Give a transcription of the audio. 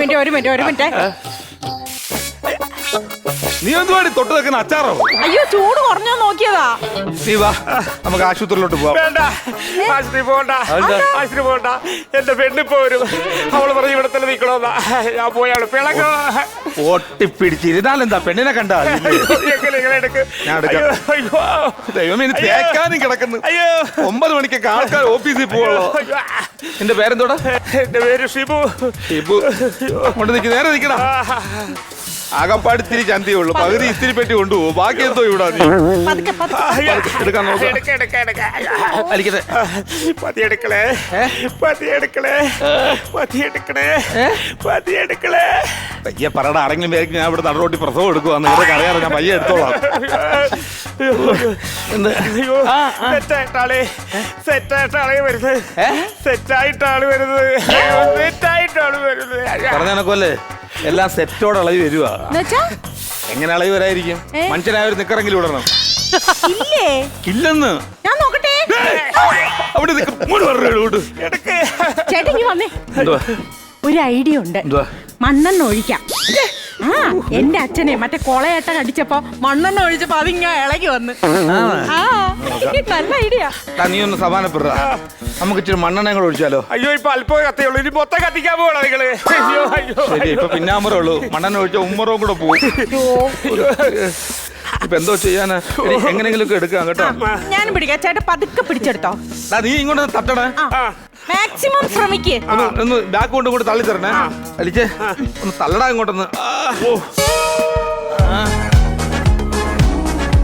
Minute. നീ എന്തുവാടി തൊട്ട് വെക്കുന്ന അച്ചാറോ? അയ്യോ ചൂട് കുറഞ്ഞോ നോക്കിയതാ. നീ വാ നമുക്ക് ആശുപത്രിയിലോട്ട് പോവാം. വേണ്ട, ആശുപത്രി പോകണ്ട, ആശുപത്രി പോകണ്ട. എന്റെ പെണ്ണിപ്പോ വരും. അവള് പറഞ്ഞ് ഇവിടെ തന്നെ നിക്കണോന്നാ. ഞാൻ പോയാണ് പിളങ്ങോ. ഒട്ടിപ്പിടിച്ചിരുന്നാലെന്താ പെണ്ണിനെ കണ്ടാ? ദൈവമേ തേക്കാനും കിടക്കുന്നു. 9 മണിക്കൊക്കെ ആൾക്കാർ ഓഫീസിൽ പോവുള്ളൂ. എന്റെ പേരെന്തോടാ? എന്റെ പേര് ഷിബു. ഷിബു കൊണ്ട് നിൽക്ക്, നേരെ നിൽക്കടാ. ആകപ്പാട് ഇത്തിരി ചന്തയേ ഉള്ളൂ, പകുതി ഇത്തിരി പെട്ടി കൊണ്ടുപോകും. ബാക്കി എന്തോ ഇവിടെ എടുക്കാൻ നോക്കാം. പയ്യെ പറയണ ആരെങ്കിലും പേർക്ക് ഞാൻ ഇവിടെ നടുറോട്ടി പ്രസവം എടുക്കുവാന്ന് ഇവിടെ അറിയാറ്. ഞാൻ പയ്യെ എടുത്തോളാം. സെറ്റായിട്ടാളെ വരുന്നത്. സെറ്റായിട്ടാണ് വരുന്നത്. പറഞ്ഞനക്കല്ലേ എല്ലാം സെറ്റോടെ അളവ് വരുവാ. എങ്ങനെ അളവ് വരായിരിക്കും? മനുഷ്യനായ ഒരു നിക്കറെങ്കിലും ഇടണം. ഇല്ലെന്ന് ഞാൻ നോക്കട്ടെ. അവിടെ ചേട്ടൻ വന്നേ. ഒരു ഐഡിയ ഉണ്ട്. മണ്ണെണ്ണ ഒഴിക്കാം. എന്റെ അച്ഛനെ മറ്റേ കൊളയേട്ട കടിച്ചപ്പോ മണ്ണെണ്ണ ഒഴിച്ചപ്പോ അതിങ്ങ ഇളകി വന്ന്. നല്ല ഐഡിയ. നീ ഒന്ന് സമാനപ്പെടുക. നമുക്ക് ഇച്ചിരി മണ്ണെണ്ണ കൂടെ ഒഴിച്ചാലോ? അയ്യോ ഇപ്പൊ അല്പം കത്തിയുള്ളൂ, ഇനി മൊത്തം കത്തിക്കാൻ പോകണം നിങ്ങള്. ശരി, ഇപ്പൊ പിന്നാമ്പറേ ഉള്ളൂ. മണ്ണെണ്ണ ഒഴിച്ച ഉമ്മറവും കൂടെ പോകും. ഇപ്പൊ എന്തോ ചെയ്യാനാ? എങ്ങനെങ്കിലും എടുക്കാം കേട്ടോ. ഞാൻ പിടിക്കാം. ചേട്ടൻ പതുക്കെ പിടിച്ചെടുത്തോ. നീ ഇങ്ങോട്ട് തട്ടണേ. മാക്സിമം ശ്രമിക്കേ. ഒന്ന് ബാക്ക് കൊണ്ട് തള്ളി തരണേ. അടിച്ചേ ഒന്ന് തള്ളടാ ഇങ്ങോട്ടൊന്ന്.